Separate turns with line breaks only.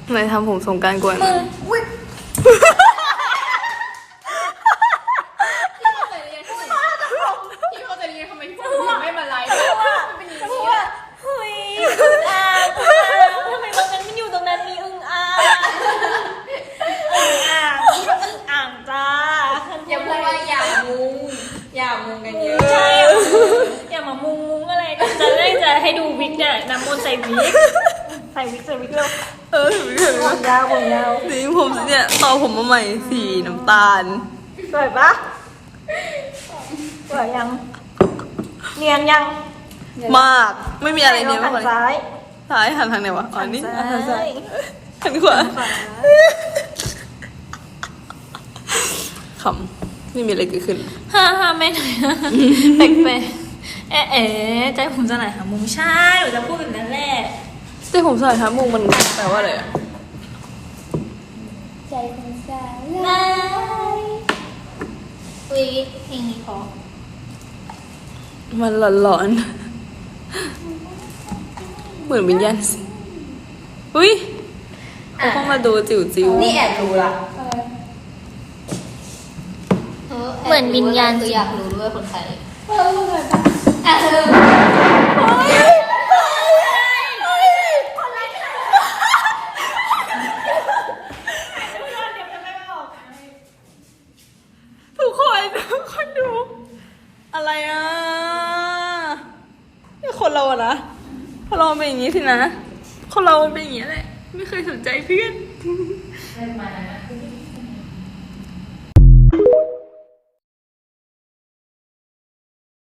ไหนทำผมสงกรานต์กวน
มึงอุ้ยพี่เข้าใจเรียนทำไมพี่ไม่มาไลฟ์มันเป็นอย่างนี้อ่ะเฮ้ยอึ่งอ่างทำไมตรงนั้นมันอยู่ตรงนั้นมีอึ่งอ่างอึ่งอ่างจ้าอย่าพูดว่าอย่ามุงกันเยอะใช่อย่ามามุงอะไรกันจะให้ดูวิกเนี่ยน้ำมนต์ใส่วิกเลย ผมยาว
สีผมเนี่ยต่อผมมาใหม่สีน้ำตาล
สวยปะสวยยังเนียนยัง
มากไม่มีอะไรเนี่ย
หั
มากกว่า
นซ้าย
ซ้ายหันทางไหนวะอ๋อนี่
หันซ้าย
หันขวาขำไม่มีอะไรเกิดขึ้น
ฮ่าไม่ไหนแปลกใจผมจะไหนหามุมใช่หนูจะพูดแบบนั้นแหละ
แต่ผมสายทับมุงมันแปลว่าอะไรอะ
ใจผมสลายอุ๊ยเพลงนี้พอ
มันหลอนๆเหมือนวิญญาณอุ้ยเขาเข้ามาดูจิ๋วๆ
นี่แอบรู้ละ
เหมือนวิญญาณ
คืออยากรู้ด้วยคนไทย
ทุกคนดู อะไรอ่ะนี่คนเราอะนะคนเราเป็นอย่างนี้สินะคนเรามันเป็นอย่างนี้แหละไม่เคยสนใจเพื่อน
เล่นมา